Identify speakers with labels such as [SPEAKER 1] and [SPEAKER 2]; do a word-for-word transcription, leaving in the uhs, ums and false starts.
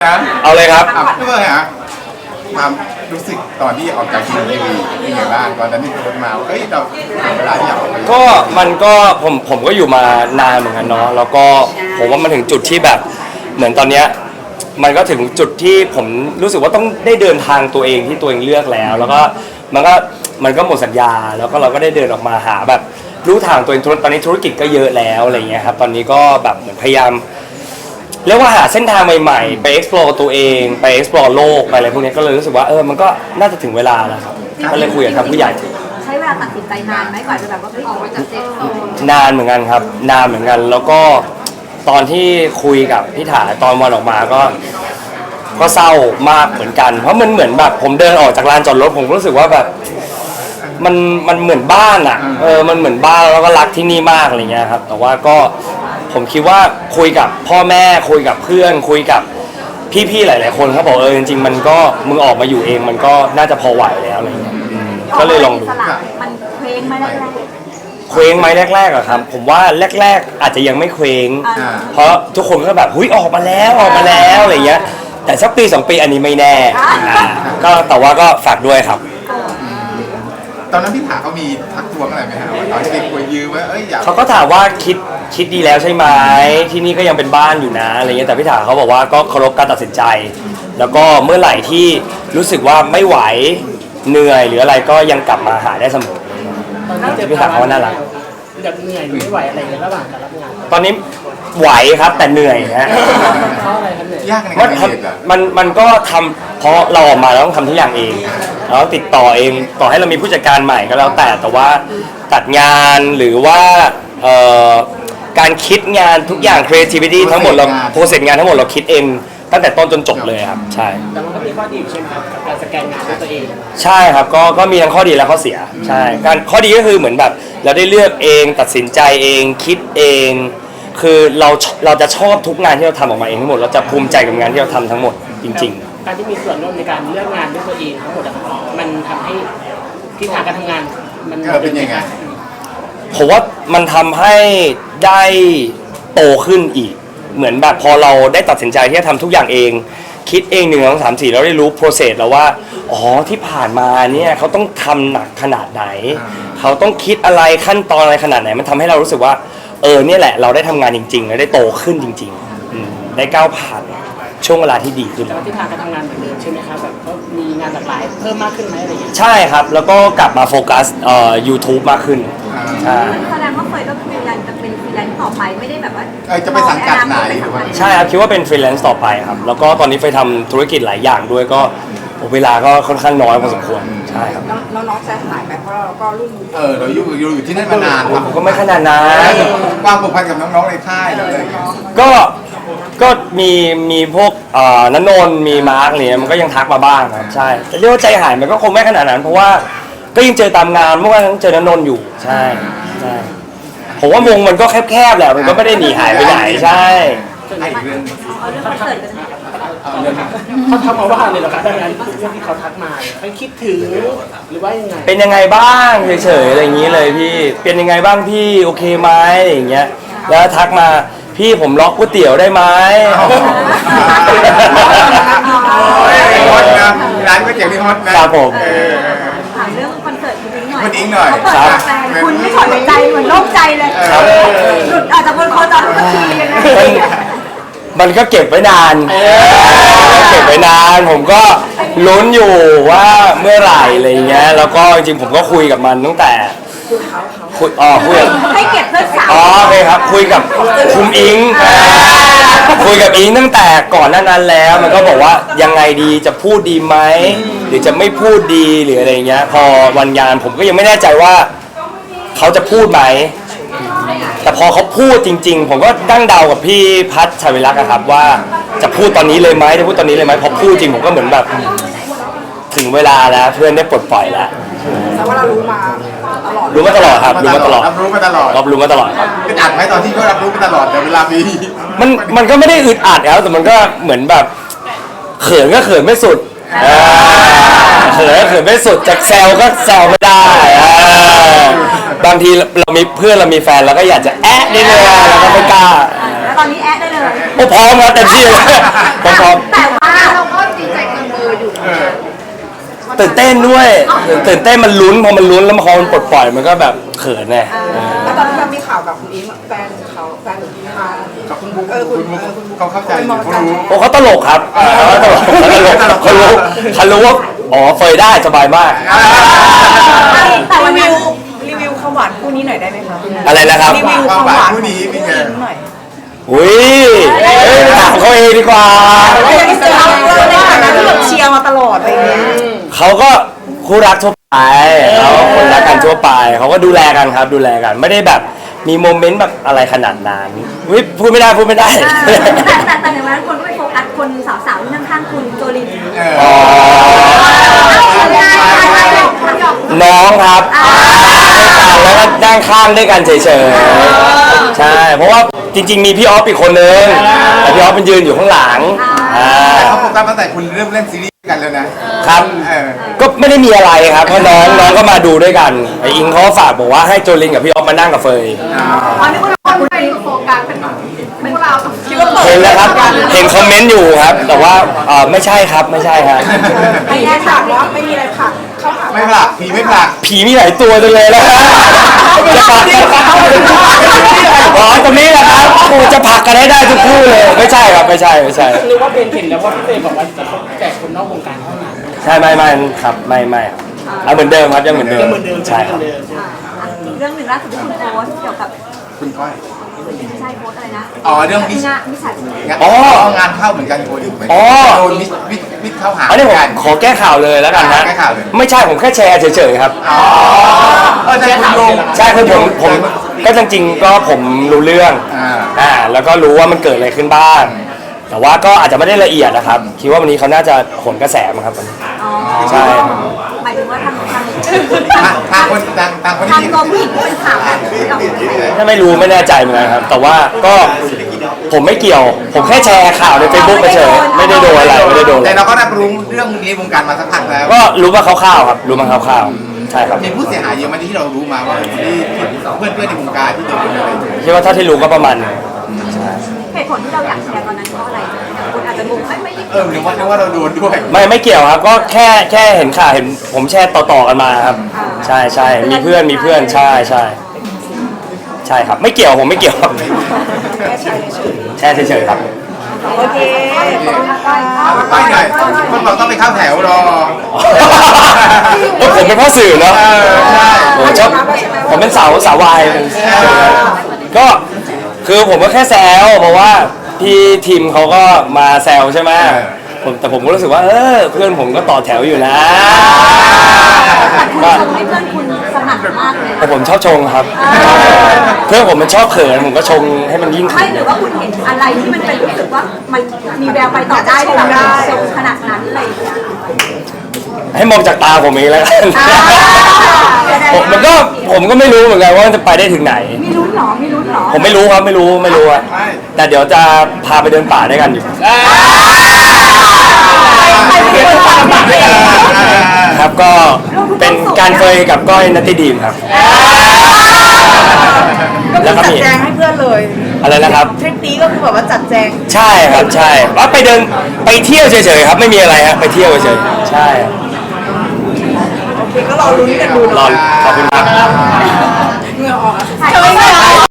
[SPEAKER 1] นะ
[SPEAKER 2] เอาเลยครับ
[SPEAKER 1] อ่ะพี่เบิร์ดฮะความรู้สึกตอนที่ออกจากทีวีเป็นไงบ้างตอนนั้นที่โพสต์มาว่าเฮ้ยเราเวลาที่อยากออกไป
[SPEAKER 2] ก็มันก็ผมผมก็อยู่มานานเหมือนกันเนาะแล้วก็ผมว่ามันถึงจุดที่แบบเหมือนตอนเนี้ยมันก็ถึงจุดที่ผมรู้สึกว่าต้องได้เดินทางตัวเองที่ตัวเองเลือกแล้ว แล้วก็มันก็มันก็หมดสัญญาแล้วก็เราก็ได้เดินออกมาหาแบบรู้ทางตัวเองตอนนี้ธุรกิจก็เยอะแล้วอะไรเงี้ยครับตอนนี้ก็แบบเหมือนพยายามเรียกว่าหาเส้นทางใหม่ๆไป explore ตัวเองไป explore โลกไปอะไรพวกนี้ก็เลยรู้สึกว่าเออมันก็น่าจะถึงเวลาแล้วครับก็เลยคุยกับทางผู้ใหญ่
[SPEAKER 3] ใช้เวลาตัดสินใจนานไหมกว่าจะแบบว่าออกมาจากเซฟโซน
[SPEAKER 2] นานเหมือนกันครับนานเหมือนกันแล้วก็ตอนที่คุยกับพี่ถาตอนวันออกมาก็ก็เศร้ามากเหมือนกันเพราะมันเหมือนแบบผมเดินออกจากลานจอดรถผมรู้สึกว่าแบบมันมันเหมือนบ้านอ่ะเออมันเหมือนบ้านแล้วก็รักที่นี่มากอะไรเงี้ยครับแต่ว่าก็ผมคิดว่าคุยกับพ่อแม่คุยกับเพื่อนคุยกับพี่ๆหลายๆคนเขาบอกเออจริงๆมันก็มึงออกมาอยู่เองมันก็น่าจะพอไหวแล้วอะไรเงี้ยก็เลยลองดู
[SPEAKER 3] มันเคว้งไหมแรก
[SPEAKER 2] เคว้งไหมแรกๆอะครับผมว่าแรกๆอาจจะยังไม่เคว้งเพราะทุกคนก็แบบหุ้ยออกมาแล้วออกมาแล้วอะไรเงี้ยแต่สักปีสองปีอันนี้ไม่แน่ก็แต่ว่าก็ฝากด้วยครับ
[SPEAKER 1] ตอนนั้นพี่ถาเขามีทักท้วงอะไรไหมฮะตอนที่ไปคุยยืมว่าเอ้ยอยาก
[SPEAKER 2] เขาก็ถามว่าคิดคิดดีแล้วใช่ไหมที่นี่ก็ยังเป็นบ้านอยู่นะอะไรเงี้ยแต่พี่ถาเขาบอกว่าก็เคารพการตัดสินใจแล้วก็เมื่อไหร่ที่รู้สึกว่าไม่ไหวเหนื่อยหรืออะไรก็ยังกลับมาหาได้เสมอพี่ถาเขาน่ารัก
[SPEAKER 4] แบบเหนื่อยไม่ไหวอะไรในระหว่างการรับงาน
[SPEAKER 2] ตอนนี้ไหวครับแต่เหนื่อยฮะ
[SPEAKER 4] เพราะอะไรครับเหนื่อย
[SPEAKER 1] ยากในการเรียน
[SPEAKER 2] มันมันก็ทำเพราะเราออกมาเราต้องทำทุกอย่างเองเราติดต่อเองต่อให้เรามีผู้จัดการใหม่ก็แล้วแต่แต่ว่าตัดงานหรือว่าการคิดงานทุกอย่าง creativity ทั้งหมดเราโปรเซสงานทั้งหมดเราคิดเองตั้งแต่ต้นจนจบเลยครับใช่
[SPEAKER 4] แต่มันก็มีข้อดีใช่ไหมครับการสแกนงานด้วยตัวเอง
[SPEAKER 2] ใช่ครับก็ก็มีทั้งข้อดีและข้อเสียใช่การข้อดีก็คือเหมือนแบบเราได้เลือกเองตัดสินใจเองคิดเองคือเราเราจะชอบทุกงานที่เราทำออกมาเองทั้งหมดเราจะภูมิใจกับงานที่เราทำทั้งหมดจริง
[SPEAKER 4] ๆการที่มีส่วนร่วมในการเลือกงานด้วยตัวเองทั้งหมดมันทำให้ทิศทางการทำงานมัน
[SPEAKER 1] เป็นยังไง
[SPEAKER 2] ผมว่ามันทำให้ได้โตขึ้นอีกเหมือนแบบพอเราได้ตัดสินใจที่จะทำทุกอย่างเองคิดเองหนึ่งสองสามสี่แล้วได้รู้ process แล้วว่าอ๋อที่ผ่านมาเนี่ยเขาต้องทำหนักขนาดไหนเขาต้องคิดอะไรขั้นตอนอะไรขนาดไหนมันทำให้เรารู้สึกว่าเออเนี่ยแหละเราได้ทำงานจริงๆและได้โตขึ้นจริงๆได้ก้าวผ่านช่วงเวลาที่ดีขึ้น
[SPEAKER 4] แล้วที่ทางการทำงานเหมือนเดิมใช่ไหมครับแบบก็มีงานหลากหลายเพิ่มมากขึ้นไหมอะไรอย่างเงี้ย
[SPEAKER 2] ใช่ครับแล้วก็กลับมาโฟกัสเอ่อ YouTube มากขึ้น
[SPEAKER 3] ใช่แสดงว่าเฟยก็คือยังจะเป็นฟรีแลนซ์ต่อไปไม่ได้แบบว่า
[SPEAKER 1] จะไปสังกัดไหน
[SPEAKER 2] ใช่ครับคิดว่าเป็นฟรีแลนซ์ต่อไปครับแล้วก็ตอนนี้ไปทำธุรกิจหลายอย่างด้วยก็เวลาก็ค่อนข้างน้อยพอสมควรใช่ครับ
[SPEAKER 3] แล้วน้องใจหายไปเพราะเราก็รุ่น
[SPEAKER 1] เออเราอยู่อยู่อยู่ที่นั่นมานาน
[SPEAKER 2] ผมก็ไม่ขนาดนั้น
[SPEAKER 1] ความผูกพันกับน้องๆในค่ายเลย
[SPEAKER 2] ก็ก็มีมีพวกณนนท์มีมาร์กเนี่ยมันก็ยังทักมาบ้างครับใช่แต่เรียกว่าใจหายมันก็คงไม่ขนาดนั้นเพราะว่าก็ยังเจอตามงานเมื่อวานเจอณนนท์อยู่ใช่ใช่ผมว่าวงมันก็แคบๆแหละมันก็ไม่ได้หนีหายไปไหนใช่
[SPEAKER 1] ไอ้เรื่อง
[SPEAKER 3] เอาเรื่องคอนเสิร์ตกัน
[SPEAKER 4] เขาทักมาว่าเลยเหรอครับดังนั้นเรื่องที่เขาทักมาเขาคิดถึงหรือว่ายังไง
[SPEAKER 2] เป็นยังไงบ้างเฉยๆอะไรอย่างนี้เลยพี่เป็นยังไงบ้างพี่โอเคไหมอย่างเงี้ยแล้วทักมาพี่ผมล็อกก๋วยเตี๋ยวได้ไหม
[SPEAKER 1] ฮอตนะร้านก๋วยเตี๋ยวนี่ฮอต
[SPEAKER 2] นะครับผม
[SPEAKER 3] ถามเรื่องคอนเสิร์ตคุณอิงหน่อย
[SPEAKER 1] คุณอิงหน่อย
[SPEAKER 3] ครับคุณไม่ถอดใจเหมือนโล่งใจเลยหลุดอาจจะบนคอจอทุกทีเลยนะ
[SPEAKER 2] มันก็เก็บไว้นานเก็บไว้นานผมก็ลุ้นอยู่ว่าเมื่อไหร่อะไรเงี้ยแล้วก็จริงๆผมก็คุยกับมันตั้งแต่คุยอ๋อคุย
[SPEAKER 3] ให้เก็บเพื่อนสาว
[SPEAKER 2] อ๋อโอเคครับคุยกับคุมอิงคุยกับอิงตั้งแต่ก่อนหน้านั้นแล้วมันก็บอกว่ายังไงดีจะพูดดีไหมหรือจะไม่พูดดีหรืออะไรเงี้ยพอวันงานผมก็ยังไม่แน่ใจว่าเขาจะพูดไหมแต่พอเขาพูดจริงๆผมก็ดั้งเดากับพี่พัชชัยวิรักษ์ครับว่าจะพูดตอนนี้เลยไหมจะพูดตอนนี้เลยไหมพอพูดจริงผมก็เหมือนแบบถึงเวลาแล้วเพื่อนได้ปลดปล่อยแล้ว
[SPEAKER 3] แต่ว่าเรารู้มาตลอด
[SPEAKER 2] รู้มาตลอดครับรู้มาตลอด
[SPEAKER 1] รับรู้มาตลอด
[SPEAKER 2] รับรู้มาตลอดครับ
[SPEAKER 1] อึดอัดไหมตอนที่เขารับรู้มาตลอดแต่เวลามี
[SPEAKER 2] มันมันก็ไม่ได้อึดอัดแล้วแต่มันก็เหมือนแบบเขินก็เขินไม่สุดเขินก็เขินไม่สุดจากแซวก็แซวไม่ได้บางทีเรามีเพื่อนเรามีแฟนเราก็อยากจะแอะนิดนึงเราก็ไม่กล้า
[SPEAKER 3] แล้วตอนนี้แอดได้เลย
[SPEAKER 2] โอ้พร้อมครับเต็มที่เลยผมพร้อม
[SPEAKER 3] แต่ว่า
[SPEAKER 5] เราก็ดีใจเกินเบอร์อยู่
[SPEAKER 1] เออ
[SPEAKER 2] ตื่นเต้นด้วยตื่นเต้นมันลุ้นพอมันลุ้นแล้วพอมันปลดปล่อยมันก็แบบเขินไง
[SPEAKER 5] แล้วตอนที่เรามีข่าวกับคุณอิงแฟนเขาแฟนคุณอิงมา
[SPEAKER 1] กับคุณบุ๊ก
[SPEAKER 5] เออคุณ
[SPEAKER 1] คุณบุ๊ก
[SPEAKER 5] เออคุณบุ๊ก
[SPEAKER 1] เขาเข้าใจอยู่เขารู้
[SPEAKER 2] โอ้เขาตลกครับเขาตลกเขาตลกเขารู้เขารู้ว่าอ๋อเฟยได้สบายมาก
[SPEAKER 3] แต่วัน
[SPEAKER 5] รี
[SPEAKER 3] นี้
[SPEAKER 5] วิวรีวิวความหวานคู่นี้หน่อยได้ไหมคะ
[SPEAKER 2] อะไรนะครับ
[SPEAKER 5] รีวิวความหวานของคู่นี้หน่อย
[SPEAKER 2] อุ้ยเอ้ยถามเขาเองดีกว่า
[SPEAKER 5] เราในฐานะที่แบบเชียร์มาตลอดอะไรอย่างเงี้ย
[SPEAKER 2] เขาก็คู่รักทั่วไปเขาคนรักกันทั่วไปเขาก็ดูแลกันครับดูแลกันไม่ได้แบบมีโมเมนต์แบบอะไรขนาดนั้นอุ๊ยพูดไม่ได้พูดไม่ได้
[SPEAKER 3] แต่แต่แต่ในวันนั้นคนก็ไปโฟกัสคนสาวๆที่นั่งข้างคุณโจลิน
[SPEAKER 1] เออ
[SPEAKER 2] อ๋อน้องครับแล้วก็นั่งข้างด้วยกันเฉยๆใช่เพราะว่าจริงๆมีพี่ออฟอีกคนนึงแต่พี่ออฟเป็นยืนอยู่ข้างหลังอ่า
[SPEAKER 1] แต่เขาโฟกัสตั้งแต่คุณเริ่มเล่นซีรีส์กันแล้วนะครับ เออ
[SPEAKER 2] ก็ไม่ได้มีอะไรครับเพราะน้องน้องก็มาดูด้วยกันไออิงเขาก็ฝากบอกว่าให้โจลินกับพี่ออฟมานั่งกับเฟย
[SPEAKER 3] ตอนนี้คนคนไปโฟกัสเป็นไม่พวกเราคิดว่าเปิด
[SPEAKER 2] เห็นแล้วครับเห็นคอมเมนต์อยู่ครับ แต่ว่าเออไม่ใช่ครับไม่ใช่ครับ
[SPEAKER 5] ไม่แน่ฉากแล้วไม่มีอะไรค่ะเข้าหา
[SPEAKER 1] ไม่ผลักผีไม่ผลัก
[SPEAKER 2] ผีมีหลายตัวจังเลยนะจะผลักอ๋อตรงนี้แหละครับกูจะผลักกันให้ได้ทุกคู่เลยไม่ใช่ครับไม่ใช่ไม่ใช่
[SPEAKER 4] หรือว่าเบนเห็นแล้วว่าพี่เฟย์บอกว่าจะแจกคนนอกวงการเท่านั้น
[SPEAKER 2] ใช่ไม่ไม่ครับไม่ไม่ครับเอาเหมือนเดิมครับยังเหมือนเดิม
[SPEAKER 4] เหมือนเดิม
[SPEAKER 2] ใช่ครับ
[SPEAKER 4] เหมือนเดิม
[SPEAKER 3] อีกเรื่องหนึ่งล่าสุดที่คุณโพสต์เกี่ยวกับ
[SPEAKER 1] คุณก้อย
[SPEAKER 3] ไม่ใช่โพสต์อะไรนะ
[SPEAKER 1] อ๋อเรื่องมิช
[SPEAKER 3] งานมิจฉาชีพ
[SPEAKER 1] งาน
[SPEAKER 2] อ๋อ
[SPEAKER 1] งานเข้าเหมือนกันโคดิเหมือน
[SPEAKER 2] อ๋อ
[SPEAKER 1] โดนมิชมิชมิชเข้าหา
[SPEAKER 2] อันนี้ผม
[SPEAKER 1] กัน
[SPEAKER 2] ขอแก้ข่าวเลยแล้วกันนะ
[SPEAKER 1] แก้ข่าวเลย
[SPEAKER 2] ไม่ใช่ผมแค่แชร์เฉยๆครับ
[SPEAKER 1] อ๋อเออใช่คุณลง
[SPEAKER 2] ใช่คือผมผมก็จริงๆก็ผมรู้เรื่อง
[SPEAKER 1] อ่า
[SPEAKER 2] อ่าแล้วก็รู้ว่ามันเกิดอะไรขึ้นบ้าง แต่ว่าก็อาจจะไม่ได้ละเอียดนะครับ คิดว่าวันนี้เขาน่าจะโหนกระแสมั้งครับวันนี้
[SPEAKER 3] อ๋อ
[SPEAKER 2] ใช่
[SPEAKER 3] หมายถึงว่าทางทาง
[SPEAKER 1] ทางทางคนทางทางคน
[SPEAKER 3] ทาง
[SPEAKER 1] ที่
[SPEAKER 3] ตัวผู้หญิงที่เป็นข่าวแบบที่เราเห็น
[SPEAKER 2] ถ้าไม่รู้ไม่แน่ใจเหมือนกันครับ แต่ว่าก็ผมไม่เกี่ยว ผมแค่แชร์ข่าวในเฟซบุ๊กเฉยๆไม่ได้โดนอะไรไม่ได้โดนอะไร
[SPEAKER 1] แต่เราก็รับรู้เรื่องนี้วงการมาสักพักแล้ว
[SPEAKER 2] ก็รู้มาคร่าวๆครับ รู้มาคร่าวๆใช่ครับ
[SPEAKER 1] มีผู้เสียหายเยอะไหมที่เรารู้มาว่าที่เพื่อนเพื่อนๆในวงการที่โดนอะไรอย่างเงี้ย
[SPEAKER 2] คิดว่าถ้าที่รู้ก็ประมาณหนึ่งใช่
[SPEAKER 3] เหตุผลที่เราอยากแชร์ตอนนั้นเพราะอะไรอย่างคนอาจจะงงไม่ไม่ได้
[SPEAKER 1] เออหรือว่าหรือว่าเราโดนด้วย
[SPEAKER 2] ไม่ไม่เกี่ยวครับ ก็แค่แค่เห็นข่าวเห็นผมแชร์ต่อๆกันมาครับ ใช่ใช่มีเพื่อนมีเพื่อนใช่ใช่ใช่ครับ ไม่เกี่ยวผมไม่เกี่ยวครับ
[SPEAKER 5] แค่ใช้เฉย
[SPEAKER 2] แชร์เฉยๆครับ
[SPEAKER 5] ๆโอเค
[SPEAKER 1] ไปหน่อยคนบอกต้องไปเข้าแถวรอ
[SPEAKER 2] เออผมเป็นพ่อสื่อเนาะ
[SPEAKER 1] เออใช่
[SPEAKER 2] ผมชอบผมเป็นสาวสาววายก็คือผมก็แค่แซวเพราะว่าพี่ทีมเขาก็มาแซวใช่ไหมผมแต่ผมก็รู้สึกว่าเออเพื่อนผมก็ต่อแถวอยู่นะ
[SPEAKER 3] แต่คุณ
[SPEAKER 2] ก็
[SPEAKER 3] ชมให้เพื่อนคุณสนั่นมากเลย
[SPEAKER 2] แต่ผมชอบชงครับ เพื่อนผมมันชอบเขินผมก็ชงให้มันยิ่ง
[SPEAKER 3] ไม่
[SPEAKER 2] เขิน
[SPEAKER 3] หรือว่าคุณเห็นอะไรที่มันเป็นรู้สึกว่ามันมีแววไปต่อได้ที่แบบชมขนาดนั้นอะไรอย่างเงี้ย
[SPEAKER 2] ให้มองจากตาผมเองแล้วกัน
[SPEAKER 3] อ่า
[SPEAKER 2] ผมมันก็ผมก็ไม่รู้เหมือนกันว่ามันจะไปได้ถึงไหน
[SPEAKER 3] มีลุ้นเหรอมีลุ้นเหรอ
[SPEAKER 2] ผมไม่รู้ครับไม่รู้ไม่รู้อะแต่เดี๋ยวจะพาไปเดินป่าด้วยกันอยู่
[SPEAKER 3] ไปไปไปไป
[SPEAKER 2] ครับก็เป็นการเฟยกับก้อยนัตติดีมครับ
[SPEAKER 5] ก็
[SPEAKER 2] แล้วก็
[SPEAKER 5] จัด
[SPEAKER 2] มี
[SPEAKER 5] แจงให้เพื่อนเลย
[SPEAKER 2] อะไรนะครับ
[SPEAKER 5] ทริปนี้ก็คือแบบว่าจัดแจง
[SPEAKER 2] ใช่ครับใช่ว่าไปเดินไปเที่ยวเฉยๆครับไม่มีอะไรครับไปเที่ยวเฉยๆใช่
[SPEAKER 5] โอเคก็รอลุ้นกันดู
[SPEAKER 2] รอ
[SPEAKER 5] เนาะ
[SPEAKER 2] ขอบคุณครับ
[SPEAKER 5] เหงื่อออกอะ
[SPEAKER 3] ถ่าย